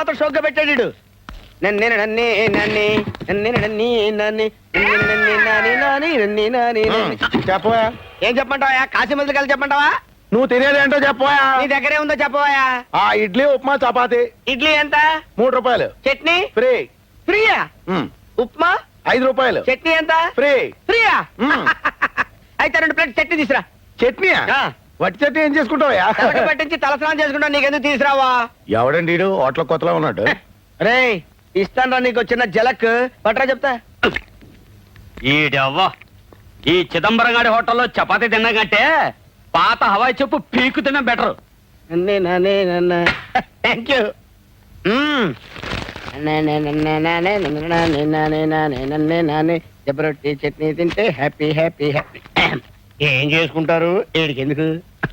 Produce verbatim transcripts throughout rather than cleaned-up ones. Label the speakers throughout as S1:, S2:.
S1: మాత్రం షోక్గా పెట్టాడు. నన్నే నన్నే నన్నే నన్నే నన్నే నన్నే
S2: చెప్పవా?
S1: ఏం చెప్పంటావా? కాశీ మందులు కలిసి చెప్పంటావా?
S2: నువ్వు తినేదేంటో చెప్పవా?
S1: నీ దగ్గరే ఉందో చెప్పవా?
S2: ఆ ఇడ్లీ ఉప్మా చపాతి.
S1: ఇడ్లీ ఎంత?
S2: మూడు రూపాయలు.
S1: చట్నీ
S2: ఫ్రీ.
S1: ఫ్రీయా? ఉప్మా
S2: ఐదు రూపాయలు.
S1: చట్నీ ఎంత?
S2: ఫ్రీ.
S1: ఫ్రీయా? అయితే రెండు ప్లేట్ చట్నీ తీసురా.
S2: చట్నీయా? వట్టి చట్నీ ఏం చేసుకుంటావా?
S1: పట్టించి తలస్నానం చేసుకుంటా. నీకెందుకు తీసురావా?
S2: ఎవడండి హోటల్ కొత్తలో ఉన్నాడు.
S1: రే ఇస్తాను నీకు చిన్న జలక్ పట్రా చెప్తా.
S3: ఈడవ్వా ఈ చిదంబరం గారి హోటల్లో చపాతీ తిన్నాకంటే పాత హవాయి చెప్పు పీకు తిన్నా బెటర్.
S1: Thank you. జబరొట్టి చట్నీ తింటే హ్యాపీ హ్యాపీ హ్యాపీ. ఏం చేసుకుంటారు ఏడికి ఎందుకు?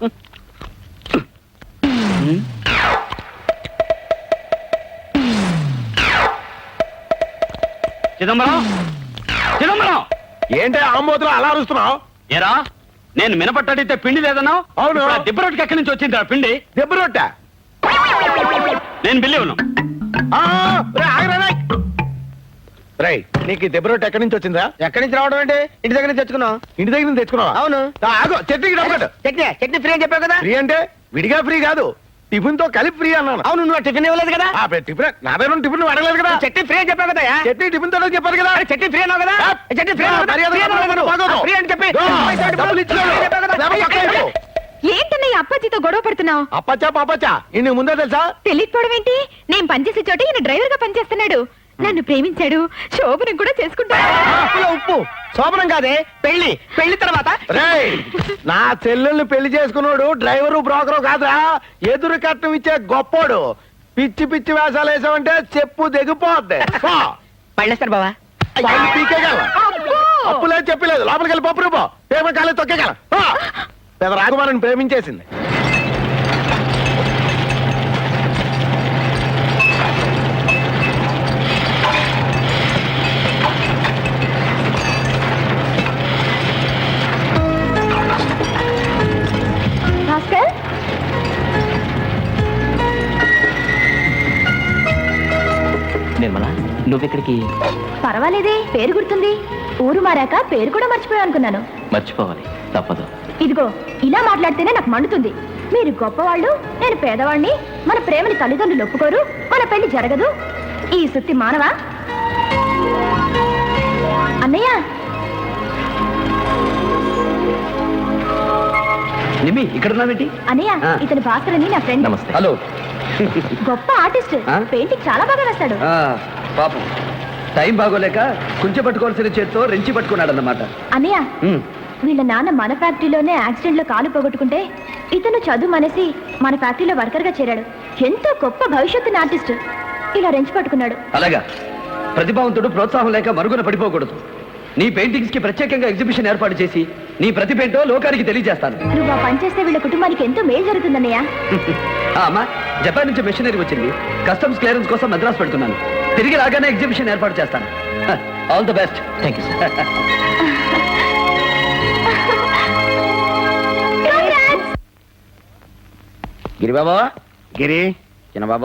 S3: చిదంబరం చిదంబరం
S2: ఏంటి ఆంబోతులు అలా అరుస్తున్నావు?
S3: ఏరా నేను మినపట్టడితే పిండి లేదన్నావు.
S2: అవును.
S3: దిబ్బ రొట్టెకి ఎక్కడి నుంచి వచ్చింది పిండి?
S2: దెబ్బ రొట్టె.
S3: నేను బిల్లి ఉన్నాను.
S2: రై నీకు దెబ్బ రొట్టె ఎక్కడి నుంచి వచ్చిందా?
S1: ఎక్కడి నుంచి రావడం అంటే ఇంటి దగ్గర నుంచి తెచ్చుకున్నావు.
S2: ఇంటి దగ్గర నుంచి తెచ్చుకున్నావా?
S1: అవును.
S2: ఆగో చట్నీకి డబ్బు కట్టు.
S1: చట్నీ చట్నీ ఫ్రీ అని చెప్పావు కదా.
S2: ఫ్రీ అంటే విడిగా ఫ్రీ కాదు, టిఫిన్ తో కలిపి ఫ్రీ అన్నాను.
S1: అవును నువ్వు టిఫిన్ ఇవ్వలేదు కదా.
S2: ఆ టిఫిన్ నా దగ్గర టిఫిన్ అడగలేదు కదా.
S1: చట్నీ ఫ్రీ అని చెప్పావు కదా.
S2: చట్నీ టిఫిన్ తో చెప్పారు కదా.
S1: చట్నీ ఫ్రీ అన్నావు కదా. చట్నీ ఫ్రీ ఫ్రీ అని చెప్పి
S4: ఏంటన్నయ్య అప్పాజీతో గొడవ పడుతున్నావు?
S2: అప్పచ్చా పాపచ్చా ఇన్ని ముందే తెలుసా?
S4: తెలియకపోవడం ఏంటి? నేను పనిచేసే చోట ఈయన డ్రైవర్ గా పనిచేస్తున్నాడు. నన్ను ప్రేమించాడు, శోభనం కూడా చేసుకుంటాడు.
S1: ఉప్పు శోభనం కాదే పెళ్లి. పెళ్లి తర్వాత
S2: రేయ్ నా చెల్లెల్ని పెళ్లి చేసుకున్నాడు డ్రైవరు బ్రోకరు కాదురా, ఎదురు కట్నం ఇచ్చే గొప్పోడు. పిచ్చి పిచ్చి వేషాలు వేసావంటే చెప్పు దిగిపోద్ది.
S1: పళ్ళేస్తారు బావా.
S2: పీకేగల అప్పులేదు చెప్పలేదు. లోపలికి వెళ్ళి పప్పు రూపో పేమ కాలే తొక్కేగల. పెద్ద రాకుమారిని ప్రేమించేసింది.
S3: నిర్మల నువ్వెక్కడికి?
S4: పర్వాలేదే, పేరు గుర్తుంది. ఊరు మారాక పేరు కూడా మర్చిపోయా అనుకున్నాను.
S3: మర్చిపోవాలి తప్పదు.
S4: ఇదిగో ఇలా మాట్లాడితేనే నాకు మండుతుంది. మీరు గొప్పవాళ్ళు, నేను పేదవాణ్ణి. మన ప్రేమని తల్లిదండ్రులు ఒప్పుకోరు, మన పెళ్లి జరగదు. ఈ సుత్తి మానవా? అన్నయ్య
S3: నిమ్మి ఇక్కడ ఉన్నావేంటి?
S4: అన్నయ్య ఇతని భాస్కర్ అని నా ఫ్రెండ్.
S3: నమస్తే. హలో.
S4: గొప్ప ఆర్టిస్ట్, పెయింటింగ్ చాలా బాగా వేస్తాడు.
S3: పాపం టైం బాగోలేక కుంచె పట్టుకోవాల్సిన చేత్తో రెంచి పట్టుకున్నాడు అన్నమాట.
S4: అన్నయ్య వీళ్ళ నాన్న మన ఫ్యాక్టరీలోనే యాక్సిడెంట్ లో కాలు పోగొట్టుకుంటే ఇతను చదువు మనేసి మన ఫ్యాక్టరీలో వర్కర్ గా చేరాడు. ఎంతో గొప్ప భవిష్యత్తుని ఆర్టిస్ట్ ఇలా రెంచి పట్టుకున్నాడు.
S3: అలాగా ప్రతిభావంతుడు ప్రోత్సాహం లేక మరుగున పడిపోకూడదు. నీ పెయింటింగ్స్ కి ప్రత్యేకంగా ఎగ్జిబిషన్ ఏర్పాటు చేసి నీ ప్రతిభేంటో లోకానికి తెలియజేస్తాను.
S4: నువ్వు ఆ పని చేస్తే వీళ్ళ కుటుంబానికి ఎంతో మేలు జరుగుతుందన్నయ్య.
S3: అమ్మా జపాన్ నుంచి మెషినరీ వచ్చింది. కస్టమ్స్ క్లియరెన్స్ కోసం మద్రాసు పెడుతున్నాను. తిరిగి రాగానే ఎగ్జిబిషన్ ఏర్పాటు చేస్తాను. All the best. Thank you sir.
S1: Giri Babu.
S2: Giri
S1: చిన్న బాబు.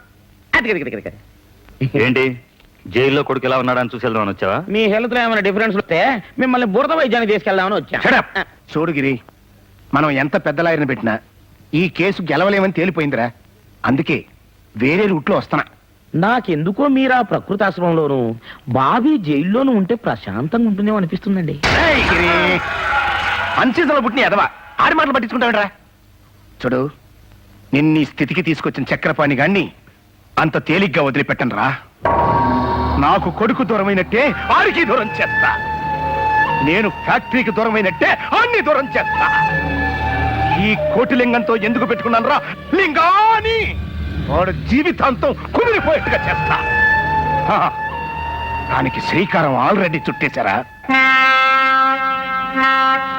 S5: ఏంటి జైల్లో కొడుకు ఎలా ఉన్నాడని చూసి వెళ్దామని వచ్చావా?
S1: మీ హెల్త్ లో ఏమైనా డిఫరెన్స్ వస్తే మిమ్మల్ని బురద వైద్యానికి తీసుకెళ్దామని వచ్చా.
S2: చూడు గిరి, మనం ఎంత పెద్ద లాయర్ని పెట్టినా ఈ కేసు గెలవలేమని తేలిపోయిందిరా. అందుకే వేరే రూట్లో వస్తున్నా.
S1: నాకెందుకో మీరు ఆ ప్రకృతి ఆశ్రమంలోను బాబీ జైల్లోనూ ఉంటే ప్రశాంతంగా ఉంటుందేమో అనిపిస్తుందండి.
S2: అన్సీజన్లో పుట్టిన ఎదవా ఆడి మాటలు పట్టించుకుంటావిడ్రా. చూడు, నిన్ని స్థితికి తీసుకొచ్చిన చక్రపాణి గాన్ని అంత తేలిగ్గా వదిలిపెట్టను రా. నాకు కొడుకు దూరమైనట్టే ఆడికి దూరం చేస్తా. నేను ఫ్యాక్టరీకి దూరమైనట్టే అన్ని దూరం చేస్తా. ఈ కోటిలింగంతో ఎందుకు పెట్టుకున్నాను రా లింగాని. వాడు జీవితాంతం కుమిలిపోయేట్టుగా చేస్తా. దానికి శ్రీకారం ఆల్రెడీ చుట్టేశారా?